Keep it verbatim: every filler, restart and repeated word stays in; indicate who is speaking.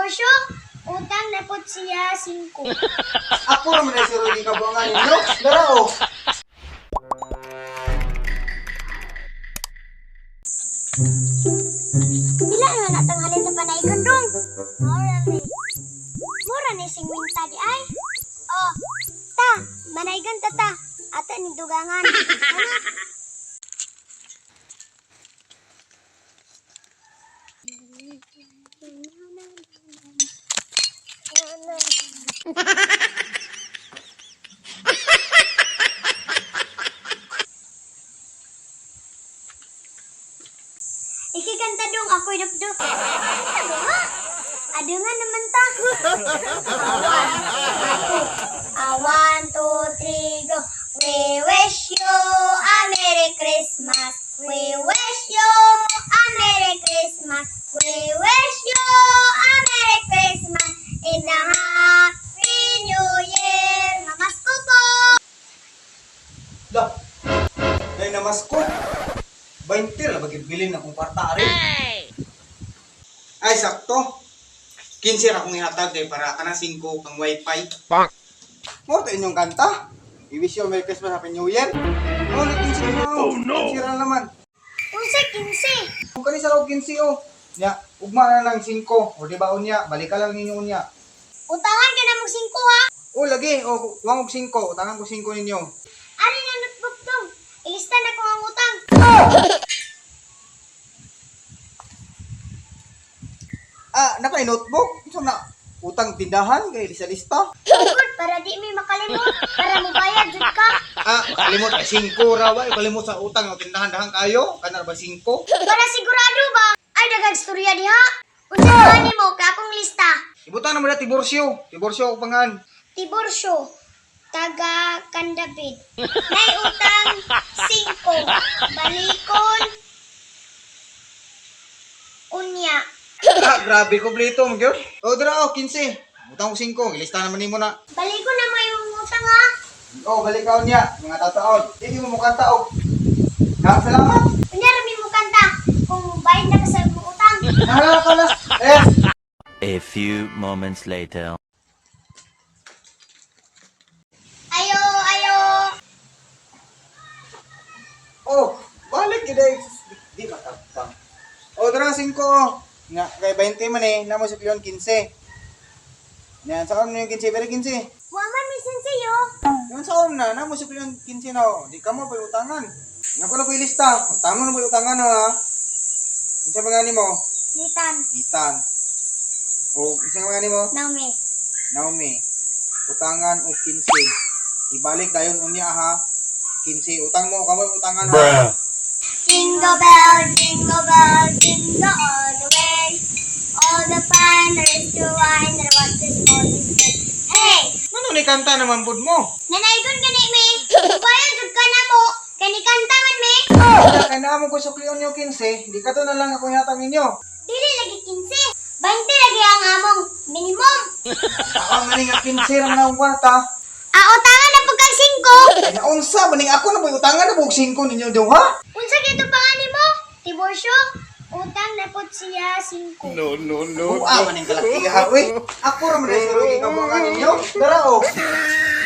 Speaker 1: Diborsyo, utang na po siya singko.
Speaker 2: Ako naman ay si Rudy kabuangan ninyo. Dara o.
Speaker 1: Bila na natanghalin sa panay kondong? Mura ni. Mura ni singwinta di ay. Oh, ta, manaygan ta ta. Ata ni dugangan. Ano? Ikikanta dong ako'y dapdok. Ano ha? Adengan naman ta. Ah, one, two, three, go. We wish you a Merry Christmas. We wish you a Merry Christmas. We wish you a Merry Christmas in a Happy New Year. Namasko po.
Speaker 2: Dah. Dahil namas ko. twenty na bagay-bilin akong kwarta rin. Ay, sakto. fifteen ra akong ihatag kay para ka na five kang wifi.
Speaker 3: Bang!
Speaker 2: Mo to inyong kanta. I-wish you a Merry Christmas, Happy New Year. Oh, fifteen ra na.
Speaker 3: Oh, no.
Speaker 2: fifteen ra naman.
Speaker 1: Unsa kinse?
Speaker 2: Kung kani sa loob fifteen oh. Nya, ugma na lang five. O di ba unya, balik ka lang ninyo unya.
Speaker 1: Utangan ka na mong singko ha.
Speaker 2: Oh, lagi. Oh, wang og five. Utangan ko five ninyo.
Speaker 1: Ari nga notebook dong. Ilista na ko ang utang.
Speaker 2: Ah, naka notebook. So na utang tindahan kay sa lista.
Speaker 1: Good, para di may makalimot. Para mabayad jud ka.
Speaker 2: Ah, kalimot ay five ra ba? Kalimot sa utang o tindahan dahan kayo. Kana ba five?
Speaker 1: Para sigurado ba? Ay, daghang istorya diha. Unsa man nimo ka akong lista?
Speaker 2: Ibutan na mo na tiborsyo. Tiborsyo ako pangan.
Speaker 1: Tiborsyo, taga Candabid. Nay utang five. Balikon. Unya.
Speaker 2: Ah, grabe kompleto mo gyud. O dira o fifteen. Utang ko five. Ilista naman nimo na.
Speaker 1: Balikon na mo yung utang ha.
Speaker 2: Oh, balik ka niya. Mga tataon. Hindi mo mukha taog. Ha, salamat.
Speaker 1: Unya rami mo kanta. Kung bayad na ka sa imong utang.
Speaker 2: Nahala ka na. Eh.
Speaker 4: A few moments later.
Speaker 1: Ayo, ayo.
Speaker 2: Oh, balik gid ay. Di matapang. O dira five oh. Nga kay twenty man eh. Namo si Leon fifteen. Yan, saan mo yung fifteen? Pero fifteen.
Speaker 1: Waman misin siyo.
Speaker 2: Yung saan na, namo si Leon fifteen na. Di ka mo pa utangan. Nga ko na po yung lista. Tama na po yung utangan ha. Isa pa nga mo?
Speaker 1: Nitan.
Speaker 2: Itan. O, isa pa nga mo?
Speaker 1: Naomi.
Speaker 2: Naomi. Utangan o fifteen. Ibalik dayon unya ha. fifteen. Utang mo, kamo utangan ha.
Speaker 3: Bruh.
Speaker 1: Jingle bell, jingle bell, jingle all the way. All the fun there is to wine and what is all this day. Hey!
Speaker 2: Ano ni kanta naman bud mo?
Speaker 1: Nanaygon ka ni me. Bayan jud ka na mo. Kani kanta man me.
Speaker 2: Kaya na mo ko sa Leon yung fifteen. Di ka to na lang ako yatang ninyo.
Speaker 1: Dili lagi kinse. Bante lagi ang among minimum.
Speaker 2: Ako maning nga fifteen ang nawata.
Speaker 1: Ah, utangan na pagkag singko.
Speaker 2: Kaya unsa maning ako na po utangan na po five ninyo daw ha?
Speaker 1: Unsa kito pangani mo? Tiborsyo, utang na po siya singko.
Speaker 3: No, no, no.
Speaker 2: Oo, ah, maning kalaki ha, uy. Ako ra man si Rudy kabuangan ninyo. Dara o.